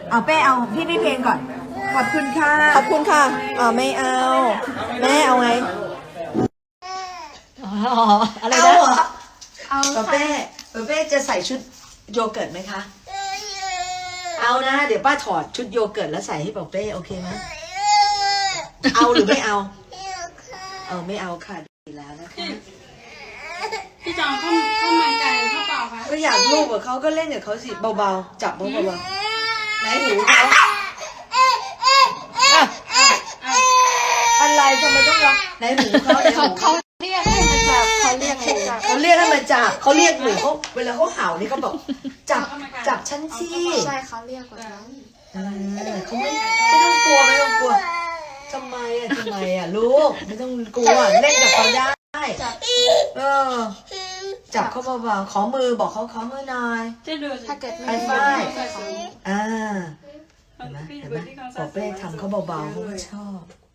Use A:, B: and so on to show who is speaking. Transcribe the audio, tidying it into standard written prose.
A: เอาเป้เอาพี่เพลงก่อนขอบคุณค่ะ
B: ขอบคุณค่ะไม่เอาแม่เอาไงอะไร
A: เอา
B: นะ
A: เหรอ
C: เอา
A: ป๊าเป้จะใส่ชุดโยเกิร์ตไหมคะเอานะเดี๋ยวป้าถอดชุดโยเกิร์ตแล้วใส่ให้ป๊าเป้โอเคไหมเอาหรือไม่เอาไม่เอาค่ะดีแล้วนะคะ
C: พี่จองเข้ามาใจเข้าเปล่าคะ
A: ก็อยากลูกกับเขาก็เล่นกับเขาสิเบาๆจับเบาๆไหนหูเขาอะไรทำไมต้องร้องไหนหูเขาไหนหู
C: เขาเรียกให้มาจับเขาเรียกให้จับ
A: เขาเรียกให้มาจับเขาเรียกหนูเขาเวลาเขาเห่านี่เขาบอกจับฉันสิ
C: ใช่เขาเรียกแบบนั้น
A: เขาไม่ต้องกลัวไม่ต้องกลัวทำไมอ่ะลูกไม่ต้องกลัวเล่นกับเขาได้จับเขาเบาๆขอมือบอกเขาขอมือหน่อย
C: ถ้าเกิด
A: ไฮไฟว์เห็นไหมปอเป้ทำเขาเบาๆเขาก็ชอบ